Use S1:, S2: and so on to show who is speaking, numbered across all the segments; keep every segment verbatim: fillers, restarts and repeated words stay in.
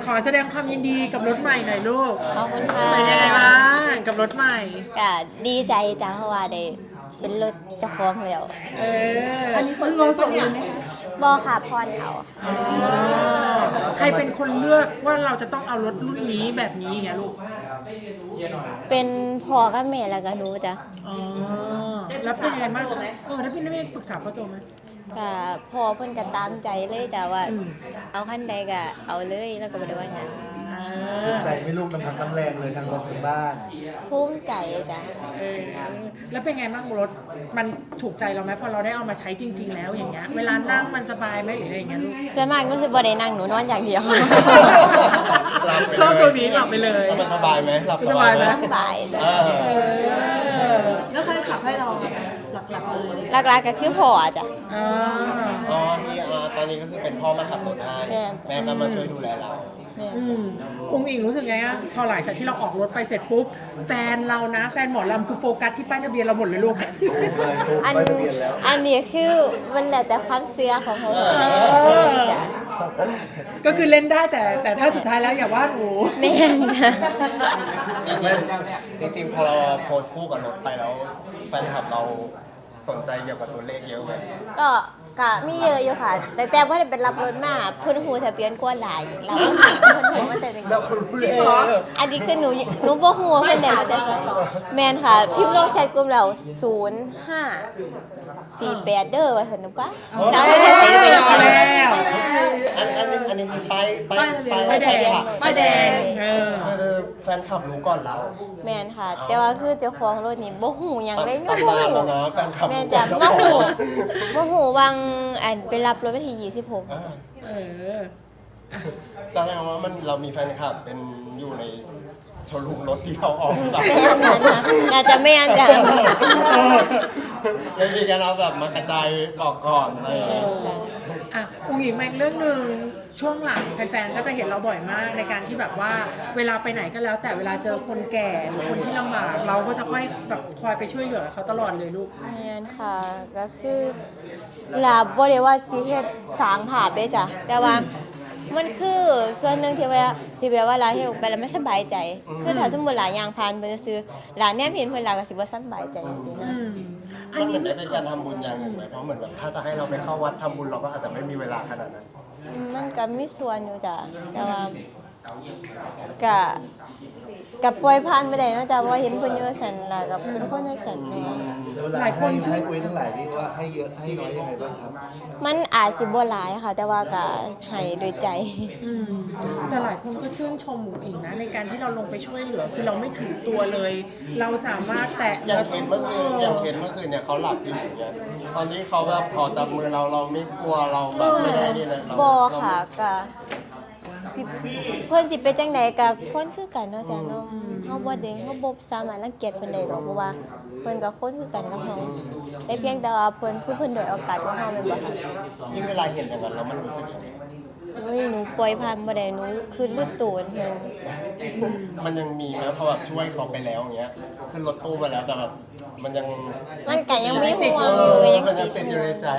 S1: ขอแสดงความยินดีกับรถใหม่หน่อยลูก
S2: ขอบคุณค่ะ
S1: เป็นยังไงบ้างกับรถใหม่
S2: ก็ดีใจจ้าเพราะว่าได้เป็นรถเจ้าของแล้ว
S1: เออ
S3: อันนี้ซื้อเงินสดเลยไหมคะ
S2: บอค่ะพรเอา
S1: ใครเป็นคนเลือกว่าเราจะต้องเอารถรุ่นนี้แบบนี้ไงลูก
S2: เป็นพ่อกับแม่แล้วก็หนูจ้ะ
S1: อ๋อแล้วเป็นยังไงบ้างคะเออแล้วพี่นักเรียนปรึกษาพ่อโจไหม
S2: ก็พ่อเพิ่นก็ตามใจเลยจ้ะว่า
S1: อืม
S2: เอาคันใดก็เอาเลยแล้วก็บ่ได้ว่าหยัง
S1: อ่
S4: ภู
S1: า
S4: มิใจไหม่ลูกมันทั้งน้ำแรงเลยทั้งรถทั้งบ้าน
S2: ภูมิใจจ้ะ
S1: เออแล้วเป็นไงบ้างรถมันถูกใจเราไหมพอเราได้เอามาใช้จริง ๆ แล้วอย่างเงี้ยเวลานั่งมันสบายไหมหรืออะไรอย่างเงี้ยลูก
S2: ส่วนมากหนูสิบ่ได้นั่งหนูนอนอย่างเดียว
S1: ชอบตัวนี้หลับไปเลย
S5: แล้วมันสบายไหมหลับ
S1: สบายไหม
S2: สบายจ้ะ
S5: เออ
S1: เออ
S3: แล้วใครขับให้เราหลักๆเลย
S2: หลักๆก็คือพ่อจ้ะ
S1: อ่า
S5: อ๋อนี่อ่าตอนนี้ก็คือเป็นพ่อมาขับรถให้
S2: แม่
S5: แม่ก็มาช่วยดูแลเรา
S2: แม่
S1: อืมองค์อิงรู้สึกไงอะพอหลังจากที่เราออกรถไปเสร็จปุ๊บแฟนเรานะ แฟนหมอลำคือโฟกัสที่ป้ายทะเบียนเราหมดเลยลูก
S4: เลยถูก
S2: อัน
S4: ไปทะเบียนแล้ว
S2: อันนี้คือมันแล้วแต่ความเชื่อของเขา
S1: อ
S2: จ้ะ
S1: ก็คือเล่นได้แต่แต่ถ้าสุดท้ายแล้วอย่าว่าหนู
S2: แม่นจ้ะ
S5: จริงๆจริงๆพอเราโพสต์คู่กับรถไปแล้วแฟนคลับเราสนใจเกี่ยวกับตัวเลขเยอะไหม
S2: ก็ก็มีเยอะอยู่ค่ะ แต่แต่ว่าได้เป็นรับรถมาเพิ่นหูทะเบียนกว่าหลายแล้วเพิ่นหูมาแต่จัง
S4: เราก็รู้เลย
S2: อันนี้คือหนูหนูบ่ฮู้ว่าเพิ่นได้มาแต่ไสแม่นค่ะ พิมพ์ลงแชทกลุ่มแล้วศูนย์ ห้า สี่ แปดเด้อว่าซั่นหนูปะแล้วไม่ได้ใส่ไป
S1: เอา
S2: แล้ว
S1: แล้ว
S5: อันอันนี้อันนี้คือป้ายป้าย
S1: ป้ายแดง
S5: ขับ
S1: ป้ายแดงเออ
S5: คือแฟนคลับรู้ก่อนเรา
S2: แม่นค่ะ แต่ว่าคือเจ้าของรถนี่บ่ฮู้หยังเลย
S5: ตำนานแล้วนะแฟนคลับ
S2: แม่น
S5: รู้ก่
S2: จ้ะ
S5: อนเจ้า
S2: บ่
S5: ขอ
S2: ฮู้
S5: ง
S2: บ่ฮู้วางอันไปรับรถวันที่ยี่สิบหก
S5: อ่า
S1: เออ
S5: แสดงว่ามันเรามีแฟนคลับเป็นอยู่ในโชว์รูมรถที่เราออกแบบ
S2: แม่นค่ะนะน่าจะแม่นจ้ะ
S5: ยังมีการเอาแบบมากระจายบอกก่อนอะไรอย่างเงี้ย
S1: อ่ะองค์หญิงมาอีกเรื่องหนึ่งช่วงหลังแฟนๆก็จะเห็นเราบ่อยมากในการที่แบบว่าเวลาไปไหนก็แล้ว แต่เวลาเจอคนแก่หรือคนที่ลำบากเราก็จะค่อยแบบคอยไปช่วยเหลือเขาตลอดเลยลูก
S2: แม่นค่ะก็คือลาบ่ได้ว่าสิเฮ็ดสร้างภาพเด้จ้ะแต่ว่ามันคือส่วนหนึ่งที่ว่าสิแบบว่าลาเฮ็ดออกไปแล้วไม่สบายใจ คือถ้าสมมุติหลายอย่างผ่านไปซื่อๆหลานแนมเห็นเพิ่นหลาก็สิบ่สบายใจจังซี่นะ
S1: อืมอั
S5: มัน นเหมื
S1: นี้
S5: อนได้เป็นการทำบุญอย่างหนึ่งไหมเพราะเหมือนแบบถ้าจะให้เราไปเข้าวัดทำบุญเราก็อาจจะไม่มีเวลาขนาดนั้น
S2: อืมมันก็มีส่วนอยู่จ้ะแต่ว่าก็ก็ปล่อยผ่านไปได้เนาะจ้ะเพราะว่าเห็นเพิ่นอยู่ว่าซั่นล่ะก็เป็นคนจังซั่นเนาะ
S4: เวลาให้ให้อุ้ยทั้งหลายนี่ว่าให้เยอะให้น้อยยังไงบ้างครับ
S2: มันอาจสิบ่หลายค่ะ แต่ว่าก็ให้ด้วยใจ
S1: อืมแต่หลายคนก็ชื่นชมหมูอิงนะในการที่เราลงไปช่วยเหลือคือเราไม่ถือตัวเลย เราสามารถแตะ
S5: อย่างเคนเมื่อคืนอย่างเคนเมื่อคืนเนี่ยเขาหลับอยู่อย่างเงี้ยตอนนี้เขาแบบขอจับมือเราเราไม่กลัวเราแบบไม่ได้นี่เลยเรา
S2: บ่ค่ะก็สิเพิ่นสิเป็นจังไดก็คนคือกันเนาะจ้ะเนาะเฮาบ่ได้เฮาบ่สามารถรังเกียจเพิ่นได้ดอกเพราะว่าเพิ่นก็คนคือกันกับเฮาแต่เพียงแต่ว่าเพิ่นคือเพิ่นด้อยโอกาสกว่าเฮาแม่นบ่ค่ะ
S5: ยิ่งเวลาเห็นอย่างนั้นแล้วมันรู้สึกยังไง
S2: โอ้ยหนูปล่อยผ่านบ่ได้หนูคือลืดตูนเพิ่น
S5: มันยังมีไหมพอแบบช่วยเขาไปแล้วอย่างเงี้ยขึ้นรถตู้มาแล้วแต่แบบมันยัง
S2: มันก็ยังมีห่วง
S5: เอ
S2: อยู่
S5: อ
S2: ก็ยัง
S5: มันยั
S2: ติ
S5: ง
S2: ด
S5: ติด
S2: อ
S5: อยู่ ยู่ในใจ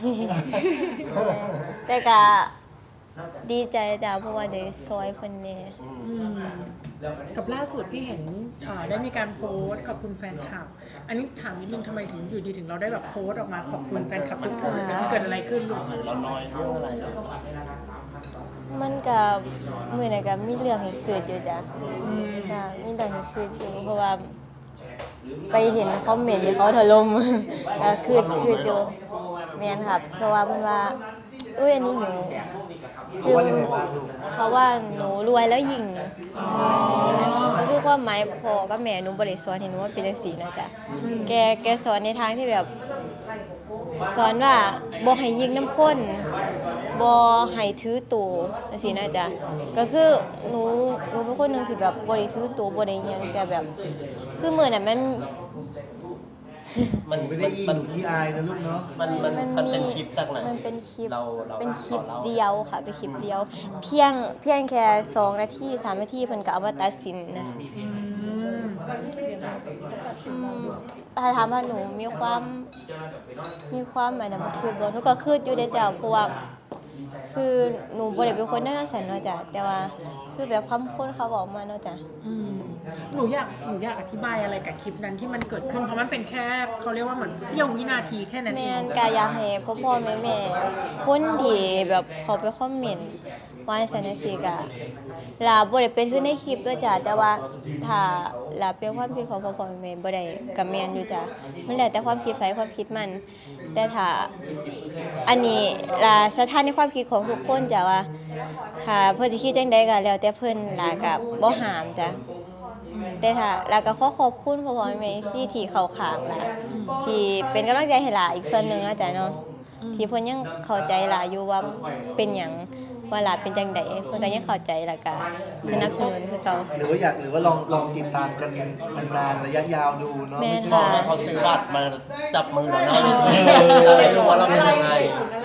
S2: แต่ก็ดีใจจ้ะเพราะว่าได้ซอยเพิ่นแหน่
S1: อืมกับล่าสุดพี่เห็นอ่าได้มีการโพสต์ขอบคุณแฟนคลับ อันนี้ถามนิดนึงทำไมถึงอยู่ดีถึงเราได้แบบโพสต์ออกมาขอบคุณแฟนคลับทุกคนนะเกิดอะไรขึ้นลูก
S5: เราน้อยเรื่องอะไร
S2: มันก็มื้อนั้นก็มีเรื่องให้คิดอยู่จ้ะจ้ะมีเรื่องให้คิดอยู่เพราะว่า ไปเห็นคอมเมนต์ที่เขาถล่ม ก็คือคืออยู่แม่นครับ เพราะว่าเพิ่นว่าอุ้ยอันนี้หนูคือเขาว่าหนูรวยแล้วยิงก็คือความหมายพ่อกับแม่หนูบ่ได้สอนให้หนูว่าเป็นจังซี่นะจ๊ะแกแกสอนในทางที่แบบ สอนว่าบ่ให้ยิงน้ำข้นบ่ให้ถือตัวจังซี่นะจ๊ะก็คือหนูหนูเป็นคนหนึงที่แบบบ่ได้ถือตัวบ่ได้หยังแต่แบบ คือมื้อนั้นมัน
S5: มัน
S4: ไม่ได้ยิ
S5: มัน
S4: งขี้อายนะลูกเนาะ
S5: มันมันมันเป็นคลิปจากไหน
S2: มันเป็นคลิป
S5: เราเรา
S2: เป็นคลิป
S5: รา
S2: เดียวค่ะเป็นคลิปเดียว เพียงเพียงแค่สองนาทีสามนาทีเพิ่นก็เอามาตัดสินนะอืมถ้าถามว่าหนูมีความมีความอันนั้นบ่คือบ่หนูก็คืออยู่ได้แต่เพราะว่าคือหนูบ่ได้เป็นคนน่าสันเนาะจ้ะแต่ว่าคือแบบคำพูดเขาบอกมาเนาะจ้ะ
S1: อืมหนูอยากหนูอยากอธิบายอะไรกับคลิปนั้นที่มันเกิดขึ้นเพราะมันเป็นแค่เขาเรียกว่าเหมือนเสี้ยววินาทีแค่นั้น
S2: แม
S1: เอง
S2: นกายากให้พ่อพ่อแม่แม่คนที่แบบเขาไปคอมเมนต์ว่าสันนิสิกะลาบ่ได้เป็นขึ้นในคลิปด้วยจ้ะแต่ว่าถ้าลาเป็นความคิดของพ่อพ่อแม่แม่บ่ได้ก็แม่นอยู่จ้ะมันแล้วแต่ความคิดไผความคิดมัน แต่ถ้าอันนี้ลาสถานในความคิดของทุกคนจ้ะว่าถ้าเพิ่นสิคิดจังใดก็แล้วแต่เพิ่นลาก็บ่ห้ามจ้ะ แต่ถ้าแล้วก็ขอขอบคุณพ่อพ่อแม่แม่ที่ที่เข้าข้างล่ะที่เป็นกำลังใจให้หลาอีกส่วนหนึงนะจ๊ะเนาะที่เพิ่นยังเข้าใจหลาอยู่ว่าเป็นหยังว่าหลาเป็นจังไดเพิ่นก็ยังเข้าใจแล้วก็สนับสนุนคือเก่า
S4: หรือว่าอยากหรือว่าลองลองติดตามกันนานๆระยะยาวดูเนาะ
S2: แม่
S4: ไม่
S2: น
S4: ใช่
S5: บอกให้เขาซื้อบัตรมาจับมือเราหน้าเวทีจะได้รู้ว่าเราเป็นยังไง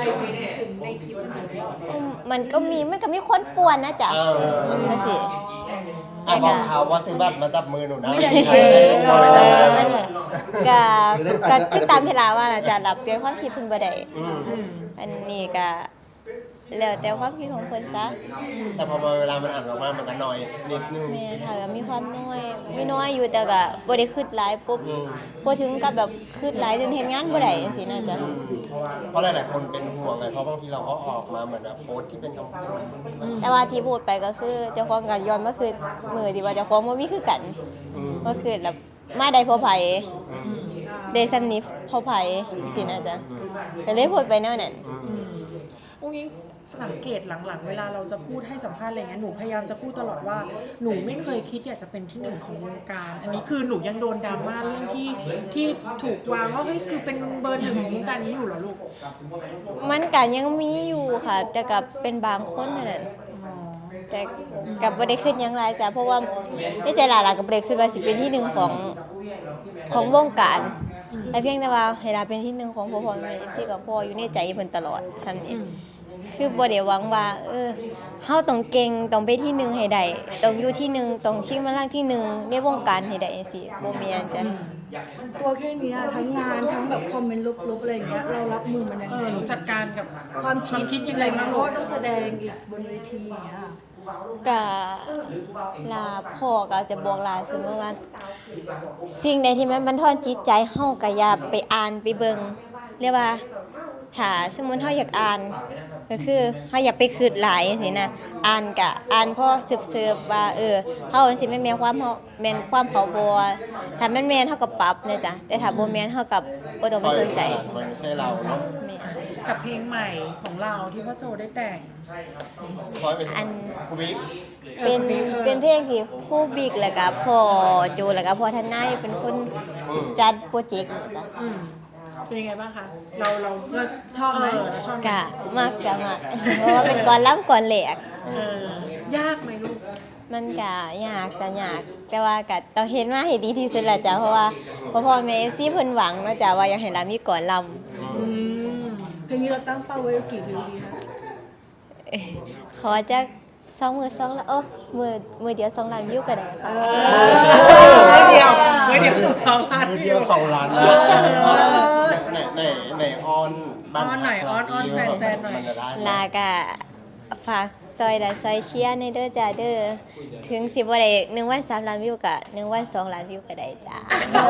S2: อืมมันก็มีมันก็มีคนป่วนนะจ๊ะ
S5: เออ
S2: นั่นสิ
S5: อ่ะบอกเขาว่าซื้อบัตรมาจับมือหนูนะ
S2: ไม่ได้
S5: จะได้รู้ว่าเป็นยังไง
S2: นั่นแหละก็ก็คือตามเวลาว่าล่ะจ้ะรับเปลี่ยนความคิดเพิ่นบ่ได้
S5: อืม
S2: อันนี้ก็แล้วแต่ความคิดของเพิ่นซะ
S5: แต่พอมาเวลามันอ่านออกมามันก็น้อยนิดนึง
S2: แม่ค่ะก็มีความน้อยมีน้อยอยู่แต่ก็บ่ได้คิดหลายปุ๊บ
S5: อืม
S2: บ่ถึงกับแบบคิดหลายจนเฮ็ดงานบ่ได้จังซี่นะจ๊ะ
S5: เพราะหลายๆคนเป็นห่วงไงเพราะบางทีเราก็ออกมาเหมือนแบบโพสต์ที่เป็นคำพูด
S2: แต่ว่าที่พูดไปก็คือเจ้าของก็ย้อนมาคือมื้อที่ว่าเจ้าของบ่มีคือกัน
S5: อืม
S2: ก็คือแบบมาได้เพอไผได้ซ้ำนี้เพอไผสินะจ๊ะก็เลยพูดไปแนวนั้น
S1: อุ้งอิงสังเกตหลังๆ เวลาเราจะพูดให้สัมภาษณ์อะไรเงี้ยหนูพยายามจะพูดตลอดว่าหนูไม่เคยคิดอยากจะเป็นที่หนึ่งของวงการ อันนี้คือหนูยังโดนดราม่าเรื่องที่ที่ถูกวางว่าเฮ้ยคือเป็นเบอร์หนึ่งของวงการนี้อยู่เหรอลูก
S2: มันก็ยังมีอยู่ค่ะ แต่ก็เป็นบางคนเท่านั้น
S1: อ๋อ
S2: แต่กับบ่ได้ขึ้นหยังหลายจ้ะเพราะว่าในใจหลายๆก็บ่ได้คิดว่าสิเป็นที่หนึ่งของของวงการแต่เพียงแต่ว่าให้ลาเป็นที่หนึ่งของพ่อพ่อแม่ เอฟ ซี กับพ่ออยู่ในใจเพิ่นตลอดซ้ำนี้คือบ่ได้หวังว่า เออเฮาต้องเก่งต้องไปที่หนึ่งให้ได้ต้องอยู่ที่หนึ่งต้องชิงบัลลังก์ที่หนึ่งในวงการให้ได้จังซี่บ่แม่นจ้ะ
S3: ตัวแค่เนี้ยทั้งงานทั้งแบบคอมเมนต์ลบๆอะไรอย่างเงี้ยเรารับมือมันยัง
S1: เอ
S3: ไง
S1: อหนูจัดการกับ
S3: ความ
S1: ความคิ
S3: คิ
S1: ด
S3: ด
S1: ยั
S3: ยัง ง
S1: ไง
S3: ไง
S1: บ้าง
S3: เพ
S1: ลู
S3: ราะ
S1: ก
S3: ว่าต้องแสดงอีกบนเวทีอย่างเงี้ย
S2: ก็ลาพ่อก็จะบอกลาเสมอว่า สิ่งใดที่มันบันทอนจิตใจเฮาก็อย่าไปอ่านไปเบิ่งเรียกว่าถ้าสมมุติเฮาอยากอ่าน ก็คือเฮาอย่าไปคิดหลายจังซี่นะอ่านก็อ่านพอสืบๆว่าเออเฮาสิแม่นแม่นความเฮาแม่นความเขาบ่ถ้าแม่นแม่นเฮาก็ปรับนะจ๊ะแต่ถ้าบ่แม่นเฮาก็บ่ต้องไปสนใจ
S5: มันไม่ใช่เราเนาะ
S2: แม่น
S1: กับเพลงใหม่ของเราที่พ่อโจได้แต่ง
S5: คอยเป็น
S2: อัน
S5: ครูบิ๊ก
S2: เป็นเป็นเพลงที่ครูบิ๊กแล้วก็พ่อโจแล้วก็พ่อทนายเป็นคนจัดโปรเจกต์นะจ๊ะ
S1: อืมเป็นยังไงบ้างคะ เราเรา
S3: เราชอบไหม
S1: เเราชอบไหม
S2: กะมากกะมากเพราะว่าเป็นก่อนล้ำก่อนแหลก
S1: เออยากไหมลูก
S2: มันกะยากแต่ยาก แต่ว่ากะต้องเห็นมาให้ดีที่สุดแหละจ้ะเพราะว่าพ่อพ่อแม่ซีเพิ่นหวังเนาะจ้ะว่าอยากให้เรามีก่อนล
S3: อืมเพลงนี้เราตั้งเป้าไว้กี่วิวดีคะ
S2: ำเอ้ยขอจะสองมือสองละโอ้มือมือเดียวสองล้านวิวก็ได้ค่ะ
S1: เมื่อเดียวเมื่อเดียวคือสองพัน
S5: คือเดียวของร้านนะไหนไหนไหนออนบ้า
S1: ออนหน่อยออนออนแฟนๆหน่อย
S5: มันจะได้
S2: ลากะฝากซอยดันซอยเชียร์ในเด้อจ้าเด้อถึงสิบ่ได้หนึ่งวันสามล้านวิวกะหนึ่งวันสองล้านวิวก็ได้จ้า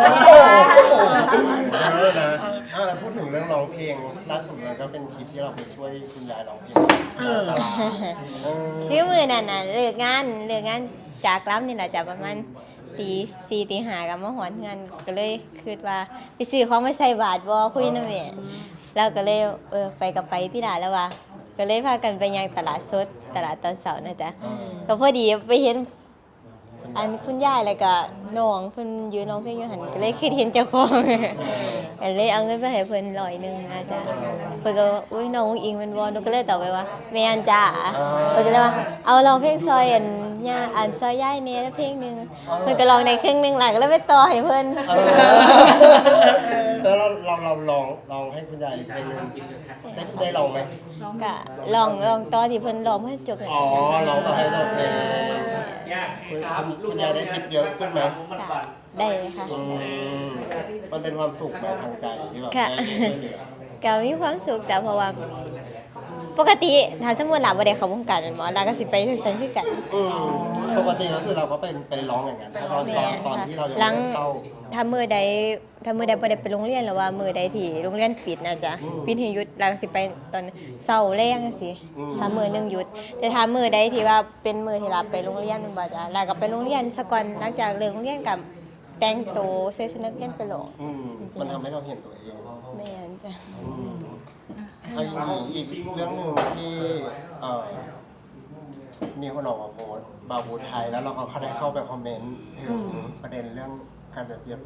S5: เออนะอ่ะแล้วพูดถึงเรื่องร้องเพลงล่าสุดเลยก็เป็นคลิปที่เราไปช่วยคุณยายร้องเพลง
S1: เออ
S5: ตลาดเออ
S2: คือมือนั่นน่ะเลิกงานเลิกงานจากล้ำนี่แหละจ้ะประมาณตีสี่ตีห้ากับมาหอนงานก็เลยคิดว่าไปซื้อของไปใส่บาทบ่คุยนำแม่แล้วก็เลยเออไปกับไปที่ร้านแล้วว่าก็เลยพากันไปยังตลาดสดตลาดตอนเสาร์นะจ๊ะก็พอดีไปเห็นอันคุณยายแล้วก็น้องเพิ่นยืนร้องเพลงอยู่หั่นก็เลยคิดเห็นเจ้าของ ก็เลยเอาเงินไปให้เพิ่นร้อยหนึงนะจ๊ะเพิ่นก็ว่าอุ้ยน้องอุ๊งอิงแม่นบ่หนูก็เลยตอบไปว่าแม่นจ้าเพิ่นก็เลยว่าเอาร้องเพลงซอยอันย่าอันซอยยายแหน่เพลงหนึงเพิ่นก็ร้องได้ครึ่งหนึงหล่ะก็เลยไปต่อให้เพิ่น
S5: แล้วเราเราเราลองลองให้คุณยายเพลงหนึงได้ได้ลองไหม
S2: ก็ลองลองต่อที่เพิ่นร้องให้จบเลย
S5: อ๋อลองต่อให้จบเพลงคุณคุณยายได้ทิปเยอะขึ้นไหม
S2: ค่ะได้เลยค่ะ
S5: อืมมันเป็นความสุขไหมทางใจที่แบบ
S2: ค่ะ
S5: ได้ช่วยเหลือ
S2: ก็มีความสุขจ้ะเพราะว่าปกติถ้าสมมุติหลาบ่ได้เข้าวงการแม่นบ่หลาก็สิไปซั่นคือกัน
S5: อืมปกติก็คือเราก็เป็นไปร้องอย่างนั้นตอนตอนตอนที่เรายัง
S2: หลั
S5: ไม่
S2: ง
S5: ได้เข้า
S2: ถ้ามื้อใดถ้ามื้อใดบ่ได้ไปโรงเรียนหรือว่ามื้อใดที่โรงเรียนปิดนะจ๊ะปิดให้หยุดหลาก็สิไปตอนเช้าแลงจังซี่ถ้ามื้อหนึงหยุด แต่ถ้ามื้อใดที่ว่าเป็นมื้อที่หลาไปโรงเรียนแม่นบ่จ๊ะหลาก็ไปโรงเรียนซะก่อนหลังจากเลิกโรงเรียนก็แต่งตัวใส่ชุดนักเรียนไปโรง
S5: อืมมันทำให้เราเห็นตัวเอง
S2: แม่นจ้ะ
S5: อันนี้อีกเรื่องหนึ่งที่เอ่อมีคนออกมาโพสต์บาบูไทยแล้วเราก็เขาได้เข้าไปคอมเมนต์ถึงประเด็นเรื่องการเปรียบเทียบ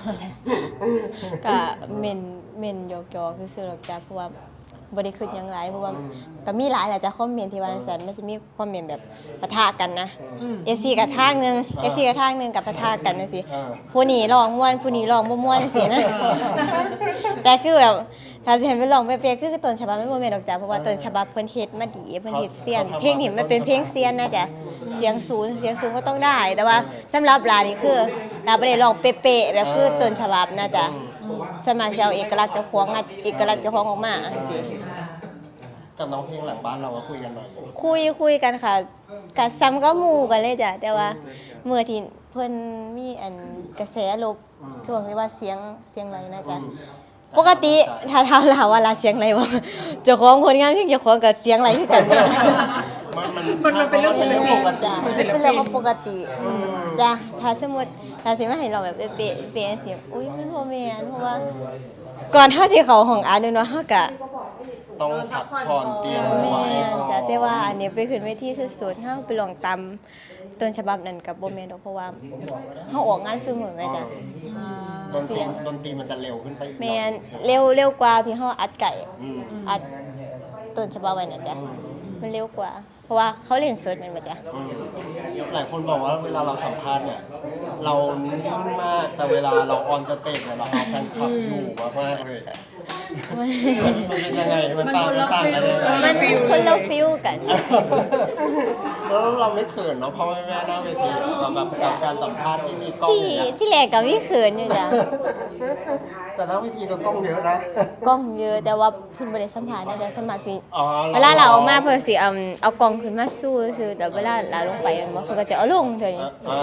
S2: ก็เม่นเม่นหยอกๆซื่อๆหรอกจ้ะเพราะว่าบ่ได้คิดหยังหลายเพราะว่าก็มีหลายแหละจ้ะคอมเมนต์ที่ว่าจังซั่นมันสิมีคอมเมนต์แบบปะทะกันนะ เอ ซี กับทางหนึง เอ ซี กับทางหนึงกับปะทะกันจังซี่
S5: เออ
S2: ผู้นี้ร้องม่วนผู้นี้ร้องบ่ม่วนจังซี่นะ แต่คือแบบถ้าสิให้ไปร้องเป๊ะๆคือต้นฉบับมันบ่แม่นดอกจ้ะเพราะว่าต้นฉบับเพิ่นเฮ็ดมาดีเพิ่นเฮ็ดเซียน เพลงนี้มันเป็นเพลงเซียนนะจ๊ะเสียงสูงเสียงสูงก็ต้องได้ แต่ว่าสำหรับลานี่คือลาบ่ได้ร้องเป๊ะๆแบบคือต้นฉบับนะจ๊ะสวนมากสิเอาเอกลักษณ์เจ้าของอะเอกลักษณ์เจ้าของออกมาจังซี่
S5: กับน้องเพลงหลังบ้านเราก็คุยกันหน่อย
S2: คุยคุยกันค่ะกะซ้ำก็หมู่กันเลยจ้ะแต่ว่าเมื่อที่เพิ่นมีอันกระแสลบช่วงที่ว่าเสียงเสียงไรนะจ๊ะปกติถ้าถามเราว่าลาเสียงไรบ่เจ้าของผลงานเพลงเจ้าของก็เสียงไรคือกันเนี่ย
S5: มันมัน
S1: มันมันเป็นเรื่องเป็นเรื่องปกติ
S2: จ้ะเป็นเรื่องของปกติจ้ะถ้าสมมุติถ้าสิมาให้เราแบบเป๊ะๆเป๊ะๆสิอุ้ยมันบ่แม่นเพราะว่าก่อนเฮาสิเข้าห้องอัดเนาะเฮาก็
S5: ต้องพักผ่อนเตรียม
S2: แม่
S5: ไว้
S2: นจ้ะแต่ว่าอันนี้ไปขึ้นเวทีสุดๆเฮาไปลองตามต้นฉบับนั้นกับบ่แม่นดอกเพราะว่าเฮาออกงานซุมื้อแม่จ้ะ
S5: ดนตรีดนตรีมันจะเร็วขึ้นไปอีกหน่
S2: แม่
S5: อย
S2: นเร็วเร็วกว่าที่เฮาอัดไก่
S5: อืม
S2: อัดต้นฉบับไว้น่ะจ้ะมันเร็วกว่า เพราะว่าเขาเล่นสดแม่นบ่จ้ะ
S5: อืมหลายคนบอกว่าเวลาเราสัมภาษณ์เนี่ย เรานิ่งมากแต่เวลาเราออนสเตจเนี่ยเราเอาแฟนคลับอยู่มากๆเลยมันเป็นยังไงมันต่างมันต่างกันยังไง
S2: มันคนละฟิลกัน
S5: แล้วเราไม่เขินเนาะเพราะว่าแม่หน้าเวทีเราแบบกับการสัมภาษณ์ที่มีกล้อง
S2: ที่
S5: อย่างเงี้ย
S2: ที่แรกก็มีเขินอยู่จ้ะ
S5: แต่หน้าเวทีก็กล้องเยอะนะ
S2: กล้องเยอะแต่ว่าเพิ่นบ่ได้สัมภาษณ์นะจ๊ะสมัครสิ
S5: อ๋อ
S2: เวลาเราออกมาเพิ่นสิเอาเอากล้องขึ้นมาสู้ซื่อแต่เวลาเราลงไปมันบ่เพิ่นก็จะเอาลงเท่านี้
S5: อ่า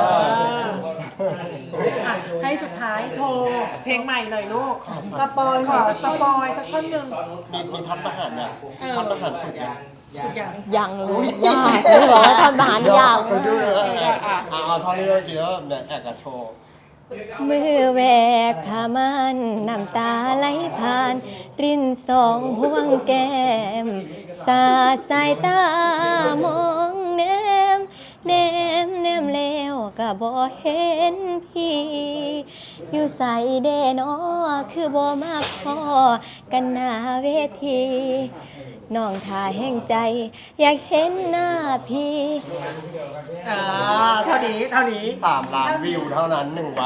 S1: อ่ะให้สุดท้ายโชว์เพลงใหม่หน่อยลูก
S3: สปอย
S1: ขอสปอยสักท่อนหนึ่ง
S5: มีมีทัพทหารเนี่ย
S1: เออ
S5: ทัพทหารฝึกยัง
S1: ทุกอย่าง
S2: ยังเลยยากเลยบอกว่าทำอาหารยาก
S5: ไปดูเลยอ่ะเอาเอาเท่านี้เมื่อกี้แล้วเนี่ยแอกกับโชว์
S2: มือแหวกผ้ามันน้ำตาไหลผ่าน รินสองพวงแก้ม สาดสายตามองแนมแนมแนมแล้วก็บ่เห็นพี่ อยู่ใส่เดนอคือบ่มาพอกันหน้าเวทีน้องท่าแห่งใจ อยากเห็นหน้าพี่
S1: อ่าเท่านี้เท่านี้
S5: สามล้านวิวเท่านั้นหนึ่งวัน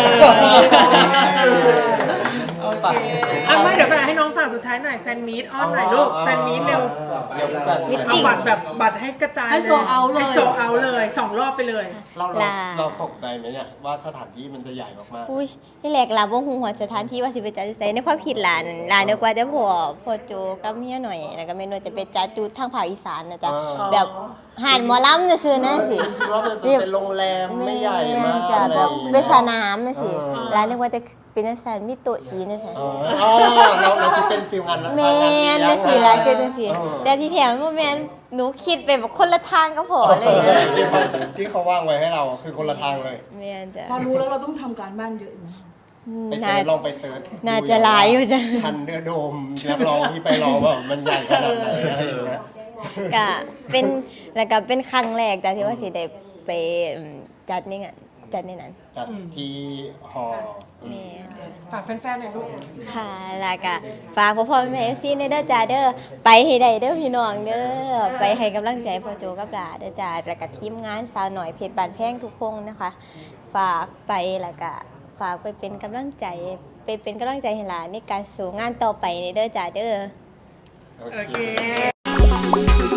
S1: โอเคอ่ะไม่เดี๋ยวไปให้น้องฝากสุดท้ายหน่อยแฟนมีตอ้อนหน่อยลูกแฟนมีตเร็ว
S5: เร็วแบบ
S1: เอาบัตรแบบบัตรให้กระจาย
S3: ให้โซเอาเลย
S1: ให้โซเอาเลยสองรอบไปเลย
S5: เราเรา
S2: ลา
S5: เราตกใจไหมเนี่ยว่าสถานที่มันจะใหญ่มาก
S2: อุ้ยที่แรกลาบ่ฮู้หัวสถานที่ว่าสิไปจัดที่ไสในความคิดหลานหลานเดียวกว่าแต่พ่อพ่อโจกับเมียหน่อยแล้วก็แม่นว่าจะไปจัดอยู่ทางภาคอีสานนะจ๊ะแบบหานหมอลำซื่อๆนะสิ
S5: ๆคิดว่ามันจะเป็นโรงแรมไม่ใหญ่มาก
S2: จะ
S5: อะไร
S2: แบ
S5: อบ ย่าง
S2: เป็น
S5: เงี้ย
S2: สนามนะสิ
S5: เออ
S2: ร้านนึกว่าจะเป็นอาสานมีโต๊ะจีนนะสิ
S5: เอออ๋อเราเราคิดเป็นฟิลงาน
S2: แม่นนะสิร้านคือจังซี่แต่ที่แถมบ่แม่นหนูคิดไปแบบคนละทางก็พอเลยนะ
S5: ที่เขาที่เขาว่างไว้ให้เราคือคนละทางเลย
S2: แม่นจ้ะ
S3: พอรู้แล้วเราต้องทำการบ้านเยอะไหม
S5: ไป
S2: น่า
S5: เซิร์ชลองไปเซิร์ช
S2: น่าจะหลายอยู่จ้ะ
S5: ทันเนื้อโดมรับรองที่ไปรอว่ามันใหญ่ขนาดไหนอะไรอย่างเงี้ย
S2: ก็เป็นแล้วก็เป็นครั้งแรกแต่ที่ว่าสิได้ไปอืมจัดในงานจัดในนั้น
S5: จัดที่หอ
S2: แม่น
S1: ฝากแฟนๆหน่อยลูก
S2: ค่ะแล้วก็ฝากพ่อพ่อแม่เอฟซีในเด้อจ้าเด้อไปให้ได้เด้อพี่น้องเด้อไปให้กำลังใจพ่อโจกับหลาเด้อจ้าแล้วก็ทีมงานสาวหน่อยเพชรบานแพงทุกคนนะคะ ฝากไปแล้วก็ฝากไปเป็นกำลังใจไปเป็นกำลังใจให้หลานในการสู่งานต่อไปในเด้อจ้าเด้อ
S5: โอ
S1: โอ
S5: เค
S1: เค